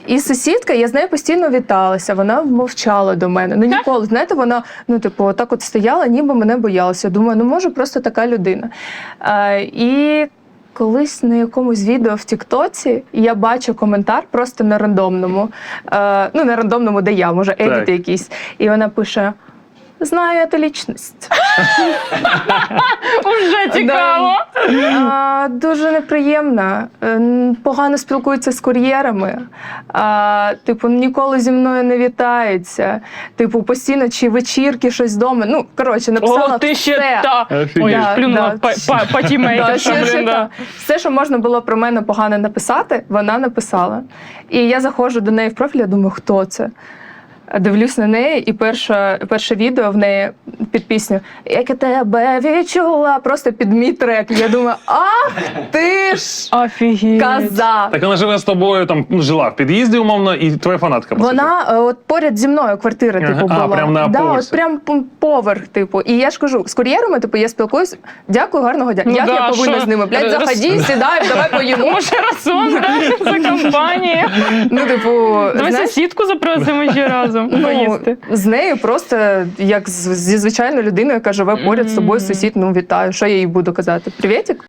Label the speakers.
Speaker 1: І сусідка, я з нею постійно віталася, вона мовчала до мене. Ну ніколи, знаєте, вона, ну, типу, отак от стояла, ніби мене боялася. Думаю, ну може просто така людина. І колись на якомусь відео в Тіктоці я бачу коментар просто на рандомному. Ну, на рандомному, де я, може, едіти якісь. І вона пише: знаю эту лічність.
Speaker 2: Уже цікаво.
Speaker 1: Дуже неприємно. Погано спілкується з кур'єрами. Типу, ніколи зі мною не вітається. Типу, постійно чи вечірки, щось вдома. Ну, коротше, написала
Speaker 2: О, ти ще
Speaker 1: все.
Speaker 2: та. Ой,
Speaker 1: Да,
Speaker 2: плюнула по тімейтершам, блин, да.
Speaker 1: Все, що можна було про мене погано написати, вона написала. І я заходжу до неї в профіль, я думаю, хто це? Дивлюсь на неї, і перше відео в неї під пісню «Як я тебе відчула», просто під мій трек. Я думаю, ах ти ж
Speaker 2: Офігеть.
Speaker 1: коза!
Speaker 3: Так вона живе з тобою, там, ну, жила в під'їзді, умовно, і твоя фанатка. по суті.
Speaker 1: Вона от поряд зі мною квартира, типу,
Speaker 3: Ага,
Speaker 1: була.
Speaker 3: прям на поверсі.
Speaker 1: от прям поверх, типу. І я ж кажу, з кур'єрами, типу, я спілкуюсь, дякую, гарного дня.
Speaker 2: Ну
Speaker 1: Як
Speaker 2: да,
Speaker 1: я повинна
Speaker 2: що?
Speaker 1: з ними? Блядь, заходи, сідай, давай поїмо.
Speaker 2: Може, разом, да, за компанією.
Speaker 1: Ну, типу,
Speaker 2: Давай
Speaker 1: знаєш,
Speaker 2: сусідку запросимо ще разом поїсти.
Speaker 1: з нею просто як зі звичайною людиною, яка живе поряд з тобою, сусід, ну вітаю. Що я їй буду казати? Привітик?